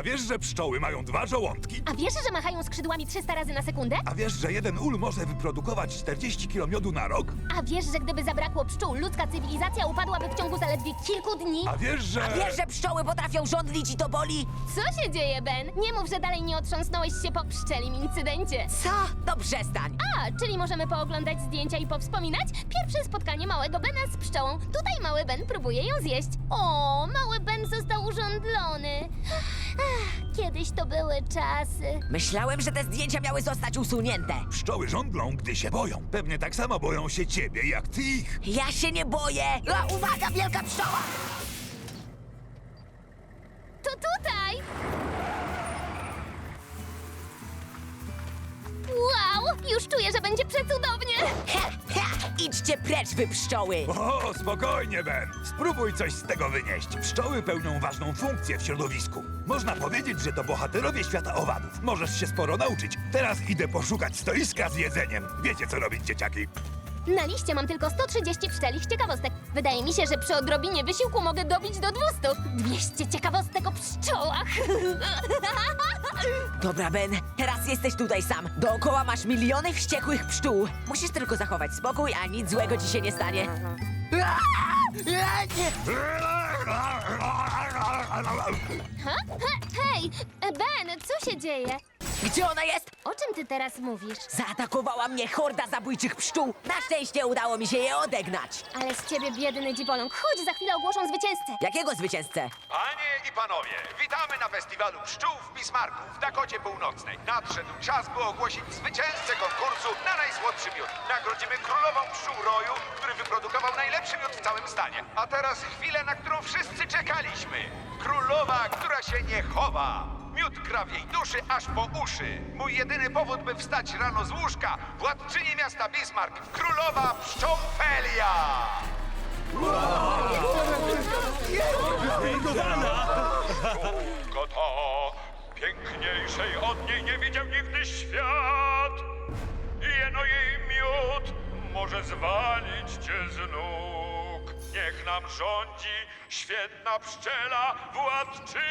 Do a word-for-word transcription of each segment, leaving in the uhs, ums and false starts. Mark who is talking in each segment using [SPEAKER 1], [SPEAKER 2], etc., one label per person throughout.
[SPEAKER 1] A wiesz, że pszczoły mają dwa żołądki?
[SPEAKER 2] A wiesz, że machają skrzydłami trzysta razy na sekundę?
[SPEAKER 1] A wiesz, że jeden ul może wyprodukować czterdzieści kilo miodu na rok?
[SPEAKER 2] A wiesz, że gdyby zabrakło pszczół, ludzka cywilizacja upadłaby w ciągu zaledwie kilku dni?
[SPEAKER 1] A wiesz, że...
[SPEAKER 3] Wiesz, że pszczoły potrafią żądlić i to boli?
[SPEAKER 2] Co się dzieje, Ben? Nie mów, że dalej nie otrząsnąłeś się po pszczelim incydencie.
[SPEAKER 3] Co? To przestań.
[SPEAKER 2] A, czyli możemy pooglądać zdjęcia i powspominać? Pierwsze spotkanie małego Bena z pszczołą. Tutaj mały Ben próbuje ją zjeść. O, mały Ben został urządlony. Ach, kiedyś to były czasy.
[SPEAKER 3] Myślałem, że te zdjęcia miały zostać usunięte.
[SPEAKER 1] Pszczoły żądlą, gdy się boją. Pewnie tak samo boją się ciebie, jak ty ich.
[SPEAKER 3] Ja się nie boję. A, uwaga, wielka pszczoła!
[SPEAKER 2] To tutaj! Wow, już czuję, że będzie przecudownie.
[SPEAKER 3] Ha, ha! Idźcie precz, wy pszczoły!
[SPEAKER 1] O, spokojnie, Ben. Spróbuj coś z tego wynieść. Pszczoły pełnią ważną funkcję w środowisku. Można powiedzieć, że to bohaterowie świata owadów. Możesz się sporo nauczyć. Teraz idę poszukać stoiska z jedzeniem. Wiecie, co robić, dzieciaki?
[SPEAKER 2] Na liście mam tylko sto trzydzieści pszczelich ciekawostek. Wydaje mi się, że przy odrobinie wysiłku mogę dobić do dwustu. dwieście ciekawostek o pszczołach.
[SPEAKER 3] Dobra, Ben, teraz jesteś tutaj sam. Dookoła masz miliony wściekłych pszczół. Musisz tylko zachować spokój, a nic złego ci się nie stanie.
[SPEAKER 2] Ha? He, hej, Ben, co się dzieje?
[SPEAKER 3] Gdzie ona jest?
[SPEAKER 2] O czym ty teraz mówisz?
[SPEAKER 3] Zaatakowała mnie horda zabójczych pszczół. Na szczęście udało mi się je odegnać.
[SPEAKER 2] Ale z ciebie biedny dziwoląg. Chodź, za chwilę ogłoszą zwycięzcę.
[SPEAKER 3] Jakiego zwycięzcę?
[SPEAKER 4] Panie i panowie, witamy na festiwalu pszczół w Bismarku w Dakocie Północnej. Nadszedł czas, by ogłosić zwycięzcę konkursu na najsłodszy miód. Nagrodzimy królową pszczół roju, który wyprodukował najlepszy miód w całym stanie. A teraz chwilę, na którą wszyscy czekaliśmy. Królowa, która się nie chowa. Miód gra w jej duszy aż po uszy. Mój jedyny powód, by wstać rano z łóżka. Władczyni miasta Bismarck, królowa pszczołfelia. Pszczółko to, piękniejszej od niej nie widział nigdy świat. Jeno jej miód może zwalić cię z nóg. Niech nam rządzi świetna pszczela władczyni.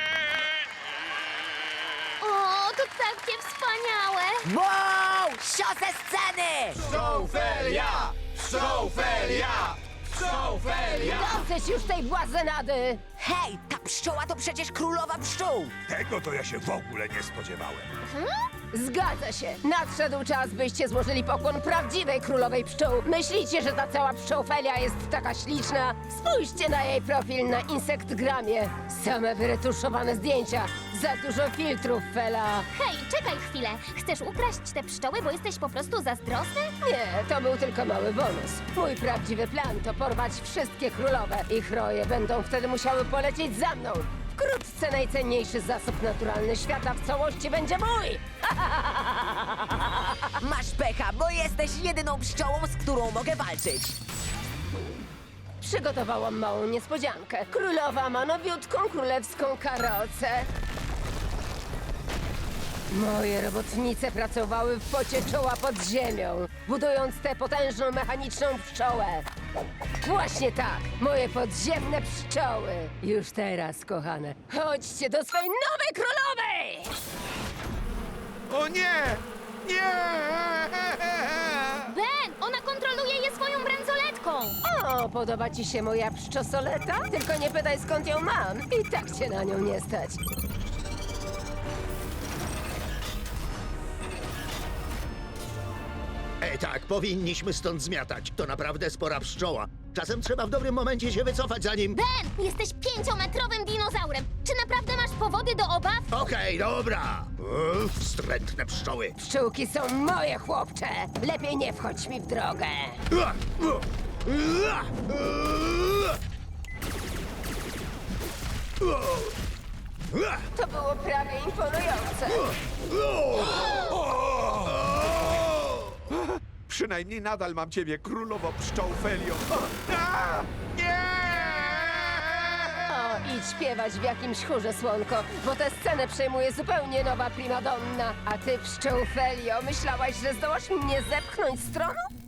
[SPEAKER 2] O, to takie wspaniałe.
[SPEAKER 3] Wow! Sio ze sceny!
[SPEAKER 5] Pszczołfelia! Pszczołfelia! Pszczołfelia!
[SPEAKER 6] Dosyć już tej błazenady!
[SPEAKER 3] Hej, ta pszczoła to przecież królowa pszczół!
[SPEAKER 1] Tego to ja się w ogóle nie spodziewałem.
[SPEAKER 6] Zgadza się. Nadszedł czas, byście złożyli pokłon prawdziwej królowej pszczół. Myślicie, że ta cała pszczołfelia jest taka śliczna? Spójrzcie na jej profil na Insektgramie. Same wyretuszowane zdjęcia. Za dużo filtrów, Fela.
[SPEAKER 2] Hej, czekaj chwilę. Chcesz ukraść te pszczoły, bo jesteś po prostu zazdrosny?
[SPEAKER 6] Nie, to był tylko mały bonus. Mój prawdziwy plan to porwać wszystkie królowe. Ich roje będą wtedy musiały polecieć za mną. Wkrótce najcenniejszy zasób naturalny świata w całości będzie mój!
[SPEAKER 3] Masz pecha, bo jesteś jedyną pszczołą, z którą mogę walczyć.
[SPEAKER 6] Przygotowałam małą niespodziankę. Królowa ma nowiutką królewską karocę. Moje robotnice pracowały w pocie czoła pod ziemią, budując tę potężną mechaniczną pszczołę. Właśnie tak, moje podziemne pszczoły. Już teraz, kochane, chodźcie do swej nowej królowej!
[SPEAKER 5] O nie! Nie!
[SPEAKER 2] Ben, ona kontroluje je swoją bransoletką.
[SPEAKER 6] O, podoba ci się moja pszczosoleta? Tylko nie pytaj, skąd ją mam. I tak cię na nią nie stać.
[SPEAKER 7] Ej, tak, powinniśmy stąd zmiatać. To naprawdę spora pszczoła. Czasem trzeba w dobrym momencie się wycofać, zanim...
[SPEAKER 2] Ben, jesteś pięciometrowym dinozaurem. Czy naprawdę masz powody do obaw?
[SPEAKER 7] Okej, dobra. Uff, wstrętne pszczoły.
[SPEAKER 6] Pszczółki są moje, chłopcze. Lepiej nie wchodź mi w drogę.
[SPEAKER 7] Ua, ua, ua, ua. Ua,
[SPEAKER 6] To było prawie imponujące.
[SPEAKER 5] Przynajmniej nadal mam ciebie, królowo pszczołfelio. O, a! Nie!
[SPEAKER 6] O, idź śpiewać w jakimś chórze, słonko, bo tę scenę przejmuje zupełnie nowa primadonna. A ty, pszczołfelio, myślałaś, że zdołasz mnie zepchnąć stroną?